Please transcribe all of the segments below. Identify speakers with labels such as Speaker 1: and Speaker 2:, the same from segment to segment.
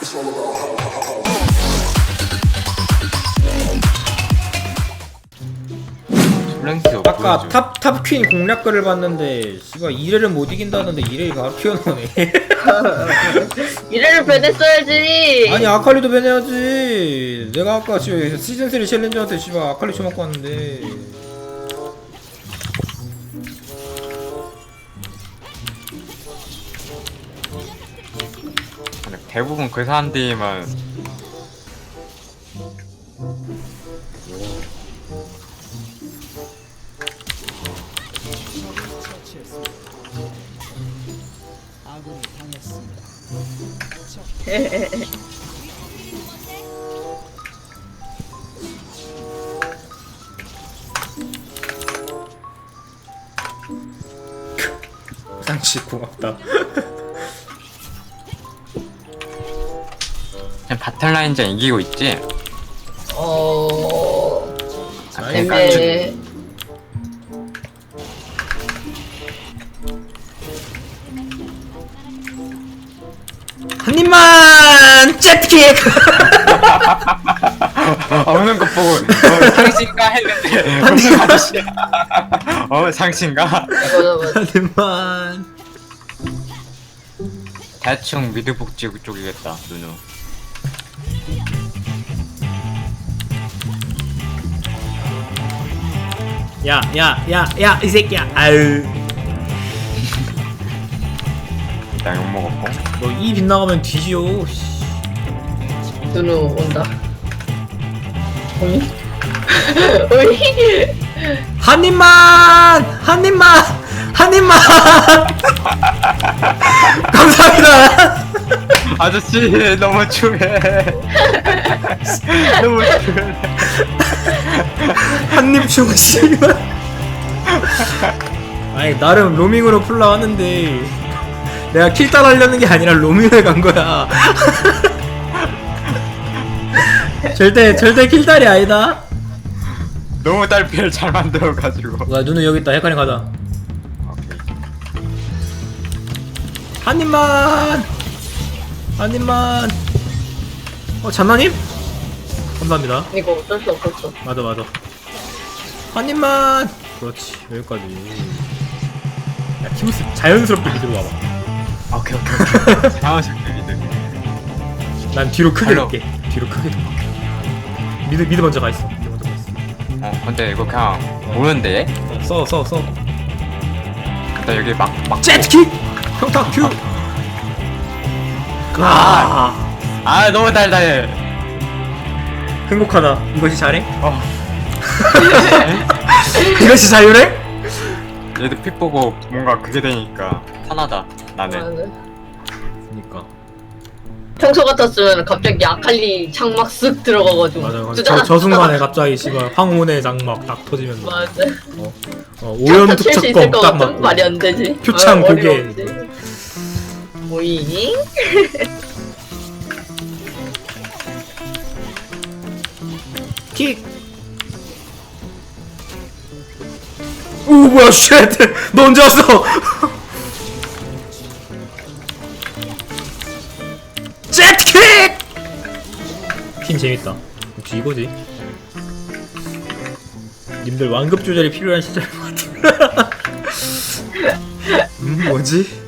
Speaker 1: 플랭크
Speaker 2: 아까 탑퀸 공략글을 봤는데 씨발 2레를 못 이긴다는데 2레이 바로 튀어나오네.
Speaker 3: 이래를 변했어야지.
Speaker 2: 아니 아칼리도 변해야지. 내가 아까 지금 시즌3 챌린저한테 씨발 아칼리 쳐먹고 왔는데
Speaker 1: 대부분 그 사람들만
Speaker 2: 상치 고맙다.
Speaker 1: 그냥 바탈라인전 이기고 있지?
Speaker 3: 근데
Speaker 2: 한 입만 잽킥.
Speaker 1: 오는 것 보고 상신가 했는데 무슨 아저씨야. 상신가?
Speaker 3: 맞아.
Speaker 2: 한 입만.
Speaker 1: 대충 미드복지 쪽이겠다 누누.
Speaker 2: 야 이 새끼야. 아유.
Speaker 1: 나 욕먹었고
Speaker 2: 너 이 빗나가면 뒤지요.
Speaker 3: 누누 온다. 오이? 오이?
Speaker 2: 한 입만. 감사합니다.
Speaker 1: 아저씨 너무 추해. 너무 추해.
Speaker 2: 한입 주고 씨발. 아니 나름 로밍으로 풀라 하는데 내가 킬딸 하려는 게 아니라 로밍을 간 거야. 절대 킬딸이 아니다.
Speaker 1: 너무 딸피를 잘 만들어가지고.
Speaker 2: 와 눈은 여기 있다. 헷갈림 가자.
Speaker 1: 오케이.
Speaker 2: 한 입만. 장난님? 감사합니다.
Speaker 3: 이거 어쩔 수 없었어.
Speaker 2: 맞아. 한 입만. 그렇지 여기까지. 야 키무스 자연스럽게 미드로 와봐.
Speaker 1: 오케이. 자연스럽게 미드.
Speaker 2: 난 뒤로 크게
Speaker 1: 발로.
Speaker 2: 돌게. 뒤로 크게 돌게. 미드 먼저 가 있어.
Speaker 1: 근데 이거 그냥 오는데?
Speaker 2: 써.
Speaker 1: 일단 여기 막
Speaker 2: 제트킥! 평타 큐!
Speaker 1: 너무 달달해.
Speaker 2: 행복하다. 이것이 잘해?
Speaker 1: 어.
Speaker 2: 이것이 자유래?
Speaker 1: 얘도 픽 보고 뭔가 그게 되니까 편하다 나는.
Speaker 2: 그니까
Speaker 3: 평소 같았으면 갑자기 아칼리 창막 쓱 들어가가지고.
Speaker 2: 맞아.
Speaker 3: 두자잔.
Speaker 2: 저 순간에 갑자기 씨발 황혼의 장막 딱 터지면서
Speaker 3: 맞아.
Speaker 2: 오염
Speaker 3: 칠수 있을
Speaker 2: 투척검
Speaker 3: 것
Speaker 2: 딱
Speaker 3: 같은
Speaker 2: 맞고
Speaker 3: 말이 안 되지.
Speaker 2: 표창 고개.
Speaker 3: 어려운데. 오이?
Speaker 2: 킥! 오 뭐야 쉣! 너 언제 왔어? 제트킥! 팀 재밌다. 혹시 이거지? 님들 완급 조절이 필요한 시절인 것 같아. 뭐지?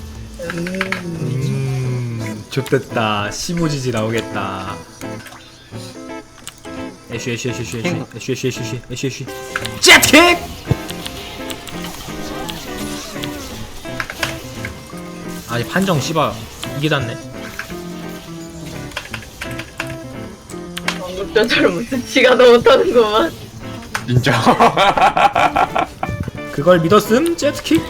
Speaker 2: 좋됐다. 15지지 나오겠다. 애쉬 제트킥! 아니 판정 씨발 이게 닿네.
Speaker 3: 방금전처럼 무슨 지가 더 못하는구만.
Speaker 1: 인정.
Speaker 2: 그걸 믿었음? 제트킥?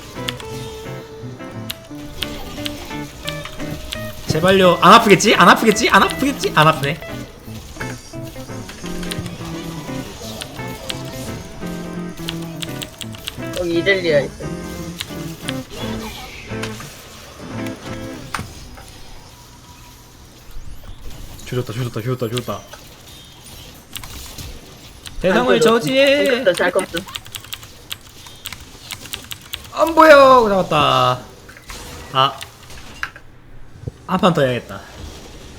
Speaker 2: 제발요. 안 아프겠지? 안 아프네.
Speaker 3: 여기 이델리아 있어.
Speaker 2: 조졌다. 대상을 저지해.
Speaker 3: 잘 컸어.
Speaker 2: 안 보여. 잡았다. 한 판 더 해야겠다.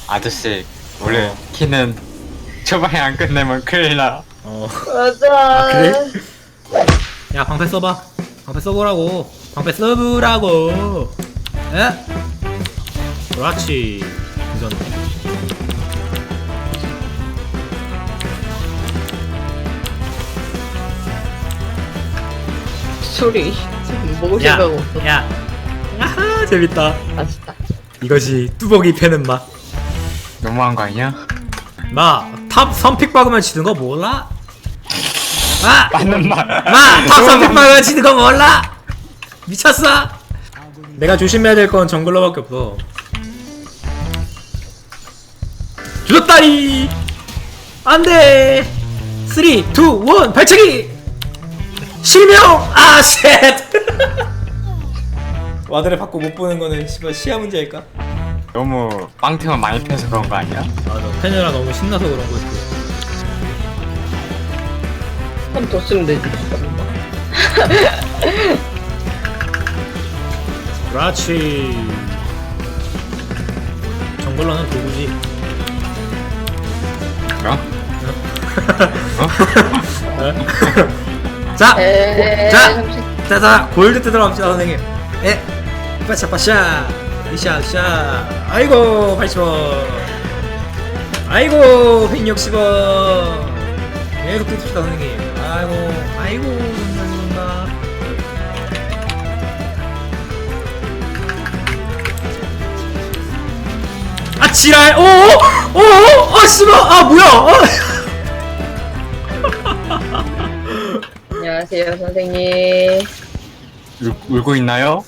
Speaker 1: 아저씨 원래 키는 초반에 안 끝내면 큰일 나.
Speaker 3: 맞아.
Speaker 2: 그래? 야 방패 써봐. 방패 써보라고. 방패 써보라고. 에? 그렇지. 이전.
Speaker 3: 소리. 먹을
Speaker 2: 야,
Speaker 3: 생각 없어.
Speaker 2: 야. 아하 재밌다.
Speaker 3: 맛있다.
Speaker 2: 이것이 뚜벅이 패는 맛.
Speaker 1: 너무한 거 아니야?
Speaker 2: 탑 3픽 박으면 지는 거 몰라?
Speaker 1: 맞는 말.
Speaker 2: 탑 3픽 박으면 지는 거 몰라? 미쳤어? 내가 조심해야 될 건 정글러밖에 없어. 줄었다리! 안돼! 3, 2, 1 발차기! 실명! 아 쉣! 와드를 받고 못 보는 거는 씨발 시야 문제일까?
Speaker 1: 너무 빵템을 많이 패서 그런 거 아니야?
Speaker 2: 맞아 페네라 너무 신나서 그런 거지.
Speaker 3: 한 번 더 쓰면 되지.
Speaker 2: 그렇지. 정글러는 도구지.
Speaker 1: 어?
Speaker 2: 자,
Speaker 3: 잠시.
Speaker 2: 자, 골드 뜯으러 갑시다 선생님. 에, 빠샤빠샤, 으쌰으쌰. 아이고 80원. 아이고 160원. 계속 뜯읍시다 선생님. 아이고 감사합니다. 아 지랄. 오 씨발. 아 뭐야.
Speaker 3: 안녕하세요 선생님.
Speaker 1: 울고 있나요?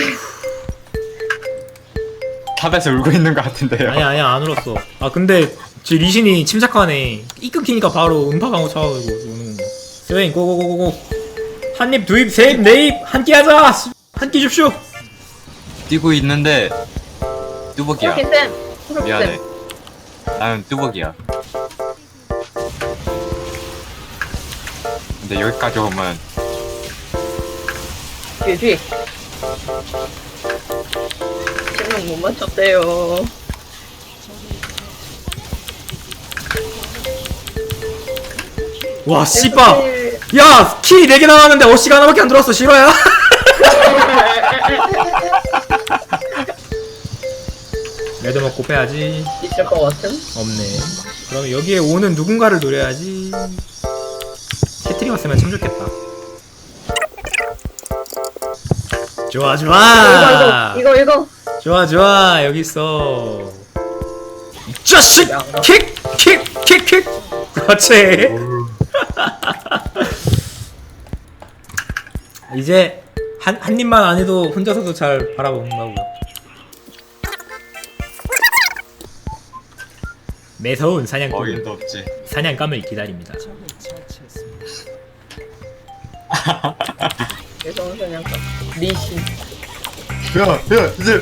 Speaker 1: 탑에서 울고 있는 것 같은데요.
Speaker 2: 아니야 안 울었어. 아 근데 제 리신이 침착하네. 이 끊기니까 바로 음파 방어 차가지고 우는 거. 스웨인 고고고고고. 한입 두입 세입 네입 한 끼 하자. 한 끼 줍쇼.
Speaker 1: 뛰고 있는데 뚜벅이야.
Speaker 3: 프로키쌤.
Speaker 1: 미안해. 나는 뚜벅이야. 근데 여기까지 오면
Speaker 3: 뒤에. 실명 못 맞췄대요.
Speaker 2: 와 씨발. 야 킬이 4개 나왔는데 어시가 하나밖에 안 들어왔어. 싫어야? 레드 먹고 빼야지.
Speaker 3: 있을 것 같음?
Speaker 2: 없네. 그럼 여기에 오는 누군가를 노려야지. 캐트리 왔으면 참 좋겠다. 좋아
Speaker 3: 이거.
Speaker 2: 좋아 여기 있어. 이 자식! 킥! 그렇지. 이제 한 입만 안 해도 혼자서도 잘 바라본다고요. 매서운 사냥꾼
Speaker 1: 어림도 없지.
Speaker 2: 사냥감을 기다립니다.
Speaker 3: 죄송한 사냥감. 리신.
Speaker 1: 야 이제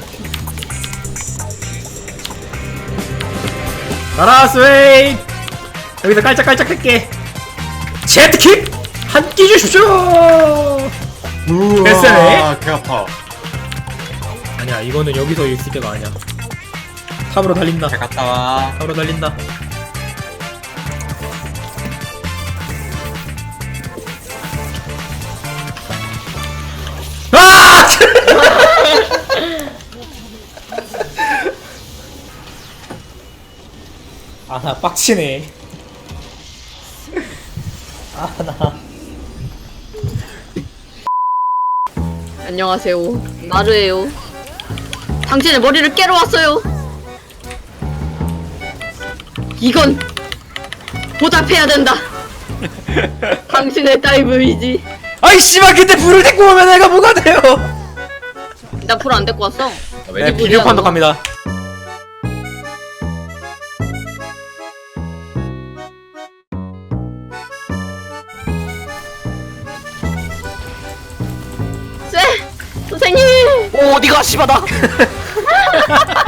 Speaker 2: 가라 스웨인. 여기서 깔짝깔짝 할게. 제트킥 한 끼 주십시오. 됐어요.
Speaker 1: 개 아파.
Speaker 2: 아니야 이거는 여기서 있을 때가 아니야. 탑으로 달린다.
Speaker 1: 잘 갔다 와.
Speaker 2: 탑으로 달린다. 아! 나 빡치네. 나.
Speaker 3: 안녕하세요. 나르예요. 당신의 머리를 깨러 왔어요. 이건 보답해야 된다. 당신의 다이브이지.
Speaker 2: 아이 씨발 근데 불을 데리고 오면 내가 뭐가 돼요?
Speaker 3: 나 불 안 데리고 왔어.
Speaker 2: 네 비디오 판독 갑니다.
Speaker 3: 선생님.
Speaker 4: 오 어디가 씨바다